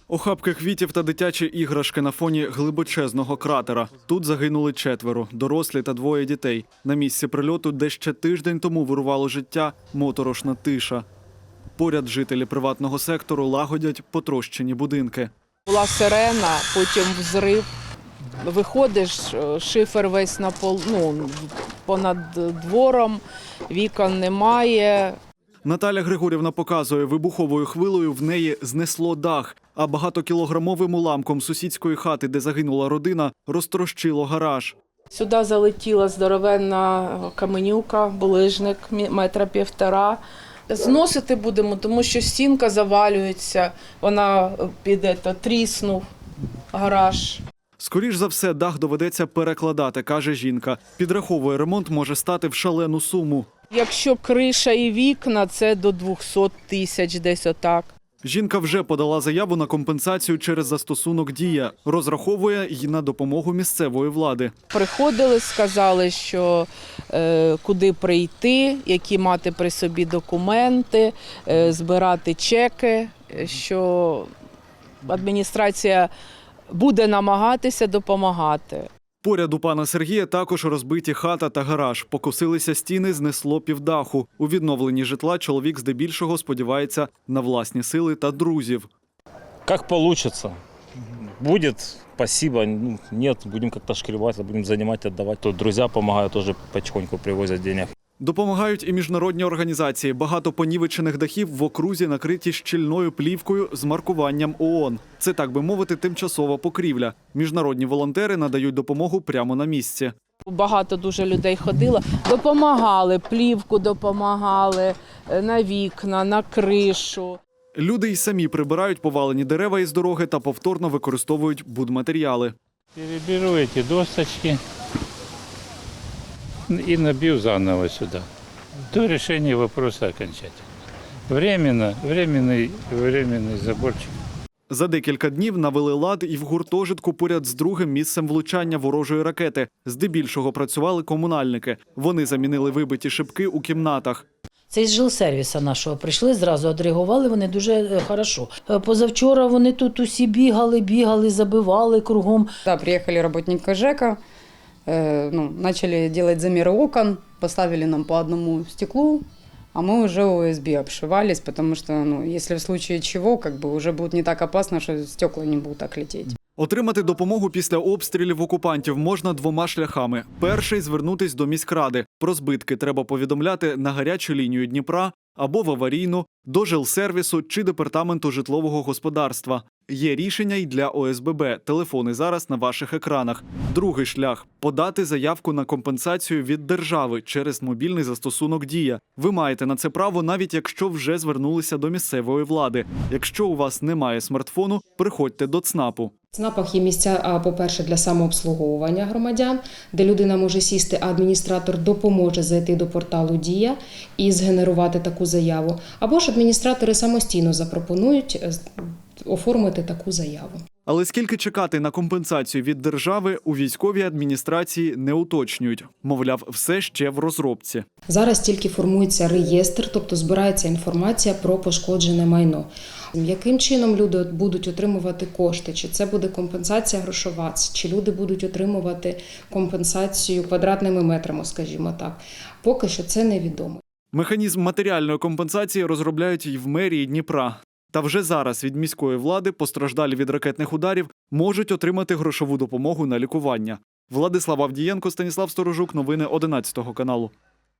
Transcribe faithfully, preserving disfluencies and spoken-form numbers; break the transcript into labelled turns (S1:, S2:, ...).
S1: Охапки квітів та дитячі іграшки на фоні глибочезного кратера. Тут загинули четверо – дорослі та двоє дітей. На місці прильоту, де ще тиждень тому вирувало життя, моторошна тиша. Поряд жителі приватного сектору лагодять потрощені будинки.
S2: Була сирена, потім взрив. Виходиш, шифер весь на пол, ну, понад двором, вікон немає.
S1: Наталя Григорівна показує, вибуховою хвилею в неї знесло дах, а багатокілограмовим уламком сусідської хати, де загинула родина, розтрощило гараж.
S2: Сюди залетіла здоровенна каменюка, булижник метра півтора. Зносити будемо, тому що стінка завалюється, вона піде, то тріснув гараж.
S1: Скоріш за все, дах доведеться перекладати, каже жінка. Підраховує, ремонт може стати в шалену суму.
S2: Якщо криша і вікна, це до двохсот тисяч десь отак.
S1: Жінка вже подала заяву на компенсацію через застосунок «Дія». Розраховує й на допомогу місцевої влади.
S2: Приходили, сказали, що е, куди прийти, які мати при собі документи, е, збирати чеки, що адміністрація буде намагатися допомагати.
S1: Поряд у пана Сергія також розбиті хата та гараж. Покосилися стіни, знесло півдаху. У відновленні житла чоловік здебільшого сподівається на власні сили та друзів.
S3: Как получится. Будет, спасибо. Ну, нет, будем как-то шкребать, будем занимать, отдавать. Тут друзья помогают, тоже потихоньку привозят денег.
S1: Допомагають і міжнародні організації. Багато понівечених дахів в окрузі накриті щільною плівкою з маркуванням ООН. Це, так би мовити, тимчасова покрівля. Міжнародні волонтери надають допомогу прямо на місці.
S2: Багато дуже людей ходило, допомагали, плівку допомагали, на вікна, на кришу.
S1: Люди й самі прибирають повалені дерева із дороги та повторно використовують будматеріали.
S4: Переберу эти досточки и набью заново сюда. До решения вопроса окончательно. Временно, временный, временный заборчик.
S1: За декілька днів навели лад і в гуртожитку поряд з другим місцем влучання ворожої ракети. Здебільшого працювали комунальники. Вони замінили вибиті шибки у кімнатах.
S5: Це із жилсервіса нашого прийшли, зразу відреагували, вони дуже хорошо. Позавчора вони тут усі бігали, бігали, забивали кругом.
S6: Да, приехали работники ЖЭКа, э, ну, начали делать замеры окон, поставили нам по одному стеклу, а мы уже о эс бэ обшивались, потому что, ну, если в случае чего, как бы уже будет не так опасно, что стекла не будут так лететь.
S1: Отримати допомогу після обстрілів окупантів можна двома шляхами. Перший – звернутись до міськради. Про збитки треба повідомляти на гарячу лінію Дніпра або в аварійну, до жилсервісу чи департаменту житлового господарства. Є рішення й для о ес бе бе. Телефони зараз на ваших екранах. Другий шлях – подати заявку на компенсацію від держави через мобільний застосунок «Дія». Ви маєте на це право, навіть якщо вже звернулися до місцевої влади. Якщо у вас немає смартфону, приходьте до ЦНАПу.
S7: В ЦНАПах є місця, по-перше, для самообслуговування громадян, де людина може сісти, а адміністратор допоможе зайти до порталу «Дія» і згенерувати таку заяву. Або ж адміністратори самостійно запропонують оформити таку заяву.
S1: Але скільки чекати на компенсацію від держави, у військовій адміністрації не уточнюють. Мовляв, все ще в розробці.
S7: Зараз тільки формується реєстр, тобто збирається інформація про пошкоджене майно. Яким чином люди будуть отримувати кошти? Чи це буде компенсація грошова? Чи люди будуть отримувати компенсацію квадратними метрами, скажімо так? Поки що це невідомо.
S1: Механізм матеріальної компенсації розробляють і в мерії Дніпра. Та вже зараз від міської влади постраждалі від ракетних ударів можуть отримати грошову допомогу на лікування. Владислав Авдієнко, Станіслав Сторожук. Новини одинадцятого каналу.